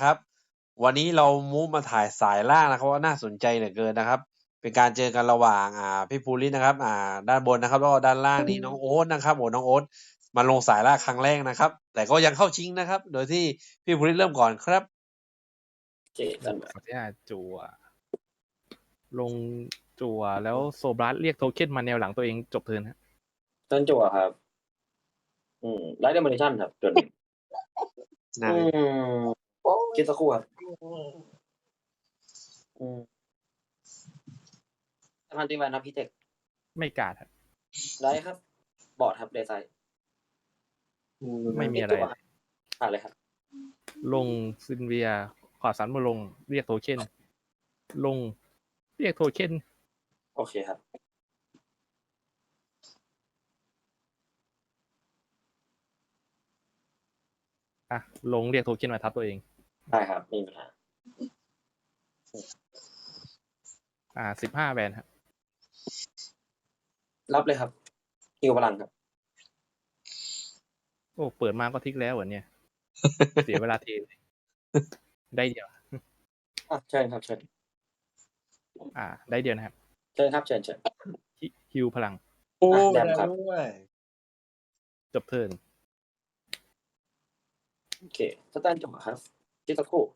นะครับวันนี้เรามูฟมาถ่ายสายล่างนะครับว่าน่าสนใจเหลือเกินนะครับเป็นการเจอกันระหว่างพี่ภูรินะครับด้านบนนะครับแล้วก็ด้านล่างนี้น้องโอ๊ตนะครับน้องโอ๊ตมาลงสายล่างครั้งแรกนะครับแต่ก็ยังเข้าชิงนะครับโดยที่พี่ภูริเริ่มก่อนครับเจกันขออนุญาตจั่วลงจั่วแล้วโซบลัสเรียกโทเค็นมาแนวหลังตัวเองจบเทิร์นฮะต้นจั่วครับไลท์เดมอนิชั่นครับจนนั่นคิดสักครู่ครับพันตีแวนครับพี่เทคไม่กาดครับไลท์ครับ บอร์ดครับเดซไซไม่มีอะไรผ่านเลยครับลงซินเวียขอสันมาลงเรียกโทเค็นลงเรียกโทเค็นโอเคครับลงเรียกโทเค็นมาทับตัวเองได้ครับไม่มีปัญหา 15 แวนครับรับเลยครับฮิวพลังครับโอ้เปิดมาก็ทิกแล้วเหรอเนี่ย เสียเวลาเทเลยได้เดียวเชิญครับเชิญได้เดียวนะครับเชิญครับเชิญฮิวพลังโอ้แดมครับด้วยจบเทิร์นโอเคสแตนจั่วครับคิดสักครู่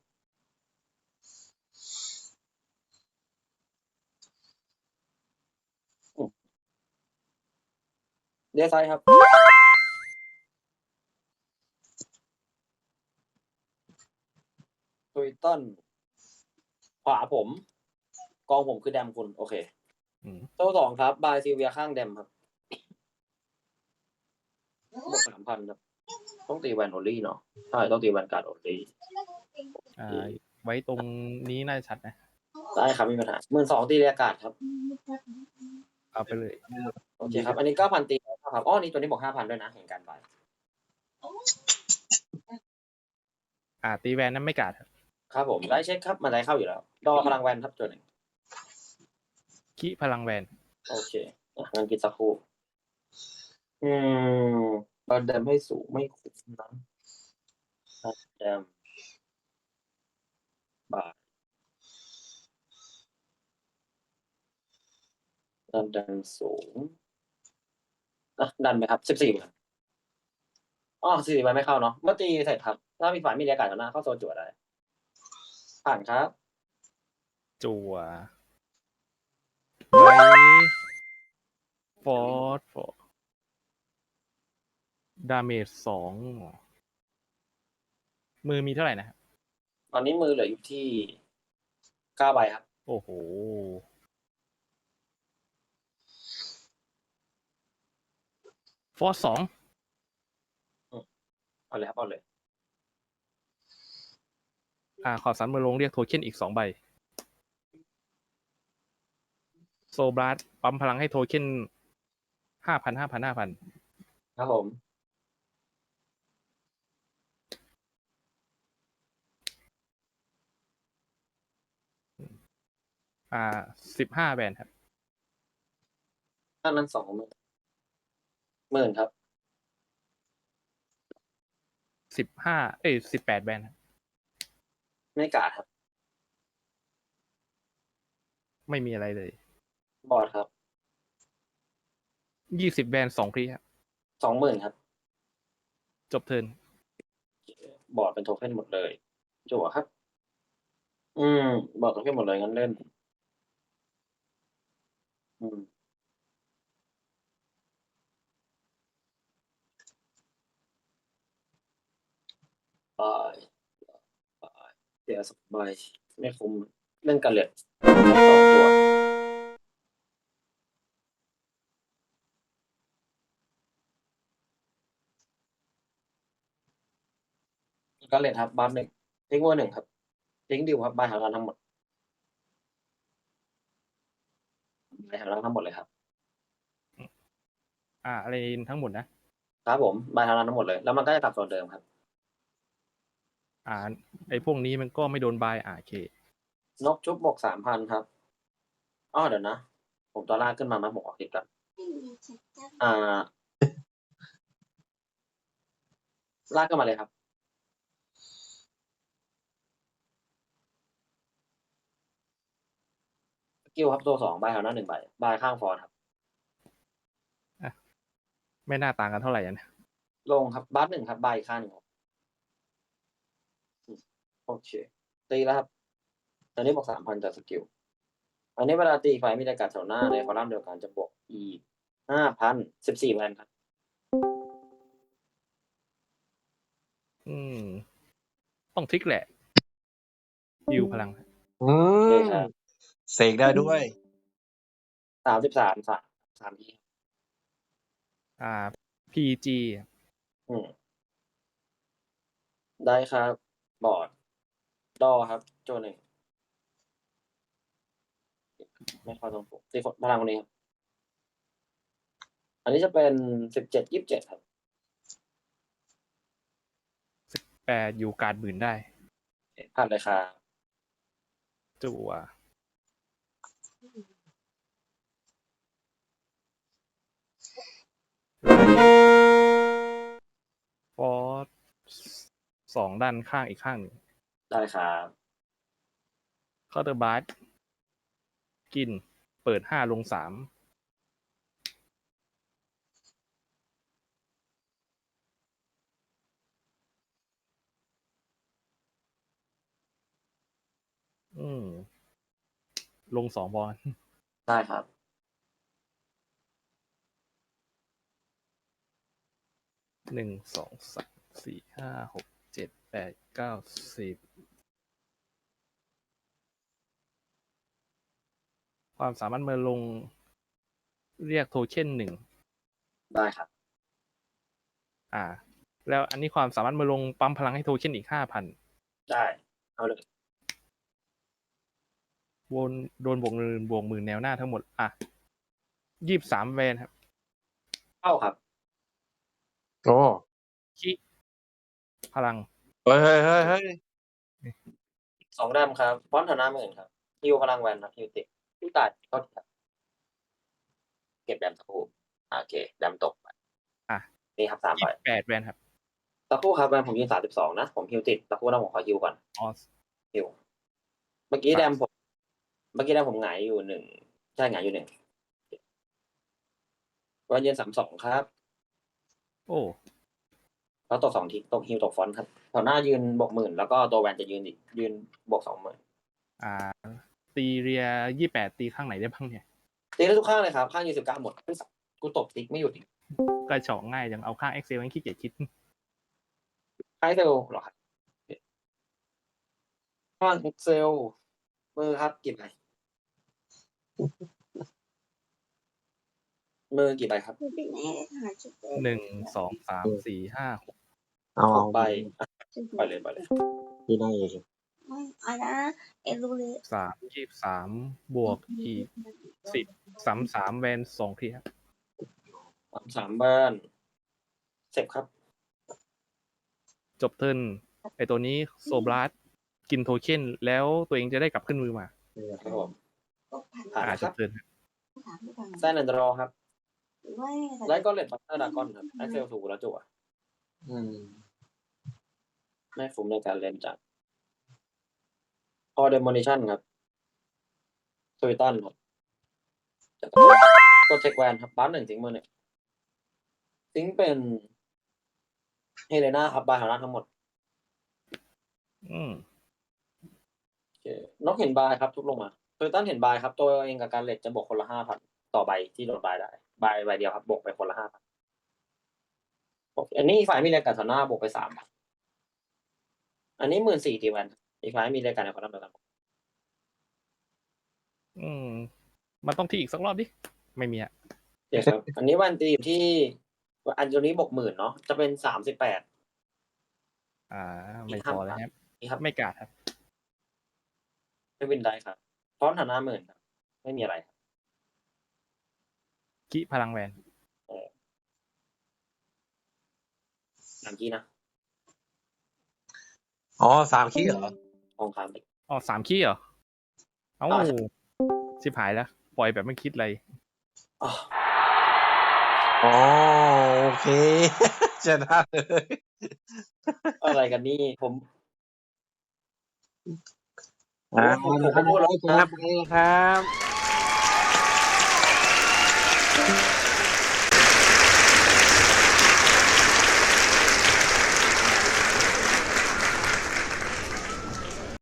เดซไซครับตุยต้นขวาผมกองผมคือแดมคุณโอเคโซ่2ครับบายซิเวียข้างแดมครับบวก 3,000 ครับต้องตีแวนโอลี่เนาะใช่ต้องตีแวนการ์ดโอลี่ไว้ตรงนี้น่าจะชัดนะได้ครับมีปัญหา12,000ตีเรียกาศครับเอาไปเลยโอเคครับอันนี้ 9,000 ตีครับนี่ตัวนี้บอก 5,000 ด้วยนะเห็นการไปตีแวนนั้นไม่กาดครับผมได้เช็คครับมันได้เข้าอยู่แล้วดอพลังแวนครับตัวหนึ่งขี้พลังแวนโอเคงั้นกินสักครู่บันเดมให้สูงไม่คุ้มนะบันเดมบาทดันสูงดันไหมครับ14ครับ14ใบไม่เข้าเนาะเมื่อตีเสร็จครับถ้ามีฝ่ายมีเรียกการ์ดหน้าเข้าโซนจั่วได้ผ่านครับจั่วไว้ฟอร์ดาเมจ2มือมีเท่าไหร่นะครับตอนนี้มือเหลืออยู่ที่9ใบครับโอ้โหฟอร์2 เอาเลยครับเอาเลยขอสันมือลงเรียกโทเค็นอีก2 ใบโซบลัสปั๊มพลังให้โทเค็น5,000 ครับผม 15 แวนครับถ้านั้น20,000ครับ 18 แวนครับไม่กาดครับไม่มีอะไรเลยบอร์ดครับ 20 แวน2 ครีครับ 20,000ครับจบเทิร์นบอร์ดเป็นโทเค็นหมดเลยจั่วครับบอร์ดโทเค็นหมดเลยงั้นเล่นไปเดี๋ยวสักใบไม่คุ้มเล่นกันเลย2 ตัวก็เลยครับบัฟ1ทิ้งวัว1ครับทิ้งดิวครับบายหารันทั้งหมดบายหารันทั้งหมดเลยครับอะไรทั้งหมดนะครับผมบายหารันทั้งหมดเลยแล้วมันก็จะกลับโซนเดิมครับไอ้พวกนี้มันก็ไม่โดนบายโอเคนกชุบบวก 3,000 ครับเดี๋ยวนะผมตัวลากขึ้นมาผมออกติดกันลากขึ้นมาเลยครับกิลครับตัว2ใบแถวหน้า1ใบข้างฟอนครับไม่น่าต่างกันเท่าไหร่นะลงครับบัส1ครับใบข้างหนึ่งครับโอเคตีแล้วครับตอนนี้บวก 3,000 จากสกิลอันนี้เวลาตีไฟมีอากาศแถวหน้าในคอลัมน์เดียวกันจะบวกอีก 5,000 14แวนครับต้องทริกแหละยิวพลังอืโอเคมครับเสกได้ด้วย 33 3ที PG ได้ครับบอร์ดดอครับโจหนึ่งไม่เข้าตรงปกตีพลังคนนี้ครับอันนี้จะเป็น17 27ครับ 8อยู่การ์ด10,000ได้ผ่านเลยครับจั่วฟอส2ด้านข้างอีกข้างหนึ่งได้ครับเคาน์เตอร์บาร์กินเปิด5ลง3ลง2บอลได้ครับ 1 2 3 4 5 6 7 8 9 10ความสามารถมาลงเรียกโทเค็น1 ได้ครับแล้วอันนี้ความสามารถมาลงปั๊มพลังให้โทเค็นอีก 5,000 ได้เอาเลยโดนบวกหมื่นแนวหน้าทั้งหมด23แวนครับเข้าครับโอ้คิพลังเฮ้ย 2แดมครับฟอนต์ฐานะ10,000ครับฮิวพลังแวนครับฮิวติดฮิวตัดก็ครับเก็บแดมสักครู่โอเคแดมตกไปนี่ครับ3ใบ 28แวนครับสักครู่ครับแวนผมยืน32นะผมฮิวติดสักครู่นะผมขอฮิวก่อน ฮิวเมื่อกี้แดมผมหงายอยู่1ใช่หงายอยู่1วันยืน32ครับโอ้แล้วตก2ทีตกฮิวตกฟอนต์ครับแถวหน้ายืนบวก10,000แล้วก็ตัวแวนจะยืนบวก20,000 ตีเรีย28ตีข้างไหนได้บ้างเนี่ยตีได้ทุกข้างเลยครับข้างยืน19หมดกูตบติ๊กไม่หยุดอีกกระเฉาะง่ายจังเอาข้าง Excel ให้ขี้เกียจคิดไอเซลหรอครับข้าง Excel มือครับกี่ใบมือกี่ใบครับ 1 2 3 4 5 6 เอา 6ใบไปเลยที่ได้เลย 23บวกอีก10 33แวน2ทีครับ 3บ้านเสร็จครับจบเทิร์นไอตัวนี้โซบลัสกินโทเค็นแล้วตัวเองจะได้กลับขึ้นมือมาครับผมผ่านจครับ บเทิร์นแซนแอนด์รอครับไลท์ก็เลดบัตเตอร์ดากอนครับไอเซลถูกแล้วจั่วไม่คุ้มในการเล่นจัดพอเดมอนิชั่นครับสวิตันครับตัวเทคแวนครับบ้าน1ทิ้งมือ1ทิ้งเป็นเฮเลนาครับบายหานาทั้งหมดนกเห็นบายครับทุบลงมาสวิตันเห็นบายครับตัวเองกับการเลดจะบวกคนละ 5,000 ต่อใบที่โดนบายได้ใบเดียวครับบวกไปคนละ 5,000อันนี้ฝ่ายมีรายการแถวหน้าบวกไป 3,000 อันนี้14,000ทีแวนอีกฝ่ายมีรายการในคนละเดียวกันมันต้องที่อีกสักรอบดิไม่มีเดี๋ยวครับ อันนี้วันตีอยู่ที่อันนี้บวก10,000เนาะจะเป็น38 ไม่พอเลยครับไม่กาดครับไม่วินได้ครับฟอนต์ฐานะ10,000ครับไม่มีอะไรครับคิพลังแวน 3 คีย์นะ 3 คีย์เหรอทองคำ 3 คีย์เหรอชิบหายแล้วปล่อยแบบไม่คิดอะไรโอเคชนะเลยอะไรกันนี่ผมพูดแล้วชนะไปครับ